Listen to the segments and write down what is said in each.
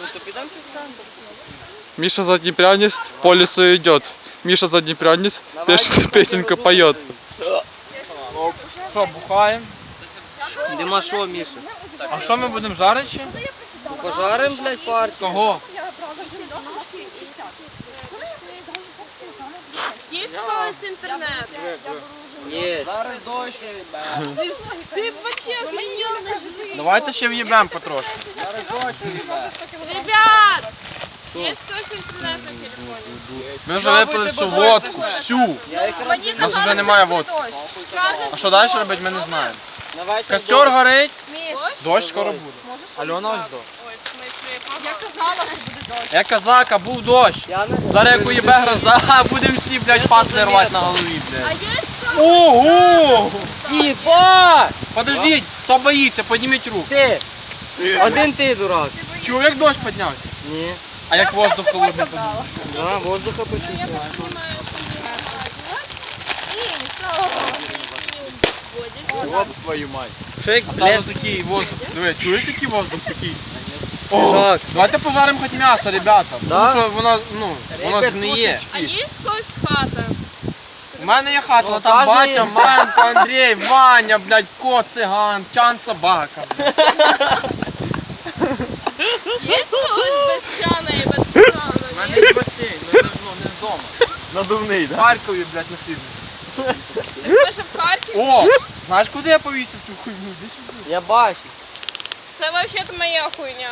Миша заднепрянец по лесу идет. Миша заднепрянец, песенка поет. Що, бухаємо? Нема що, Міша? А що ми будемо жарити ще? Пожарим, блядь, партію. Кого? Є колись інтернет? Є. Зараз дощ. Ти вообще охренел. Давайте ще в'їбемо потрошки. Ребят! Є колись інтернет на телефоні? Ми вже випили всю водку, всю. У нас вже немає водки. А що далі робити, ми не знаємо. Костер горить, дощ скоро буде. Альона ось до. Ой, в смысле, Я казала, що буде дощ. Я казака, був дощ. Зараз як уїбе гроза, будемо всі, блядь, патли рвати на голові, А блядь. є Ого! Єбать! Подождіть, хто боїться, підніміть руку. Ти! Один ти, дурак. Чув, як дощ піднявся? Ні. А як воздух холодний піднявся? Да, воздуха почувствував. Оп, твою мать. Шейк, А саме блядь. такий воздух. Диви, чуєш який воздух такий? Свіжак. Давайте пожаримо хоч м'ясо, ребята. Да? Тому що воно, воно згниє. А є колись хата? У мене є хата, але Ну, там кожен батя, є. мамка, Андрій, Ваня, блядь, кот, циган, чан, собака. Є колись без чана і без У чана? мене є басейн, не вдома. Надувний, В Харкові, блядь, на фірмі. Ти хочеш в Харків? О, знаєш, куди я повісив цю хуйню? Іди сюди. Я бачу. Це взагалі моя хуйня.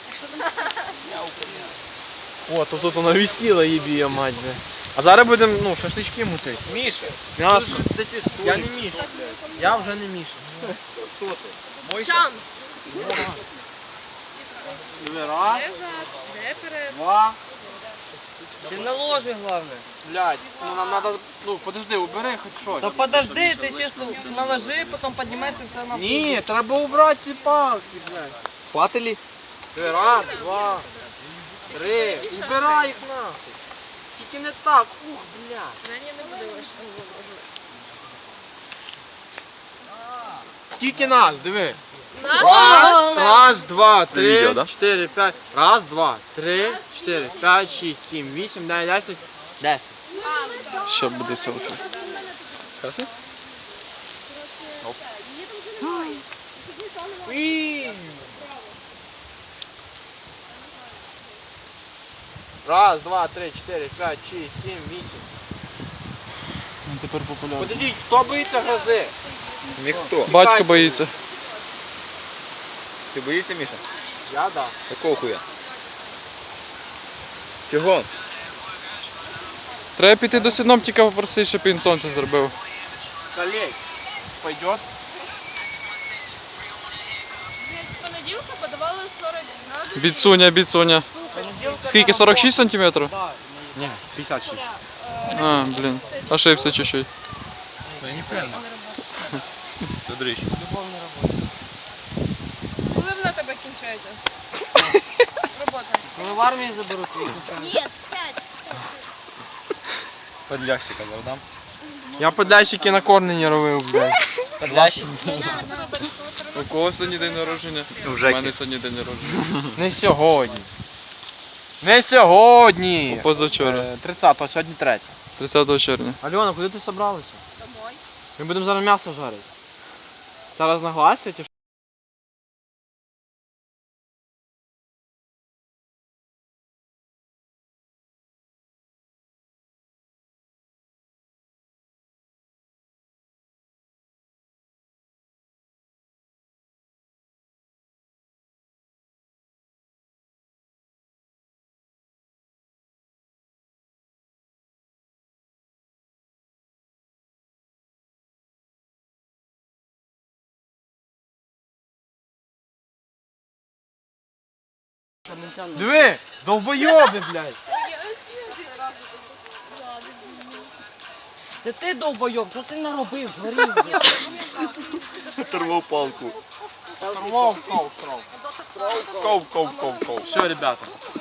О, то тут вона висіла, їбія мать, блядь. А зараз будемо, шашлички мутити. Міша. М'ясо. Я не Міша, блядь. Я вже не Міша. Хто ти? Чан. Раз, Де зад? Де перед? два. Ти на ложі, головне. Блядь, нам надо, подожди, убери хоч щось. Та подожди, ти ще наложи, потім піднімаєшся все на... Ні, треба убрати ці палки, блядь. Хватили? Раз, два, три. Убирай їх нахуй. Тільки не так, ух, блядь. Мені не буде лише. Скільки нас, диви. Нас? Раз, два, три, відео, да? 4, 5. Раз, два, три, 4, 5, 6, 7, 8, 9, 10. 10. Ще буде селфі. Раз, два, три, 4, 5, 6, 7, 8. Тепер популярно. Подождіть, хто боїться грози? Ніхто. Батько боїться. Ти боїшся, Міша? Я, да. Якого хуя? Чого? Треба піти до синоптика попросити, щоб він сонце зробив. Колей. Пойдет? З понеділка подавали 40 градусів. Біцуня. Скільки, 46 сантиметрів? Ні, 56. А, блін, ошибся чуть-чуть. Я не певно. Це дрищ. Коли вона тебе кінчається? Робота. Коли в армії заберуть твій Ні, 5. Подлящика задам. Я подальщики на корнені робив, блядь. Подлящик? У кого сьогодні день народження? У У Жеки. мене сьогодні день народження. Не сьогодні. Не сьогодні. Позавчора, 30-го, сьогодні 3. 30 червня. Альона, куди ти собралася? Домой. Ми будемо зараз м'ясо жарити. Зараз нагласять чи що? Диви, довбойоби, блядь. Це ти довбойоб, що ти наробив, згорів, блядь. Оторвал палку. Ков. Ков. Все, ребята.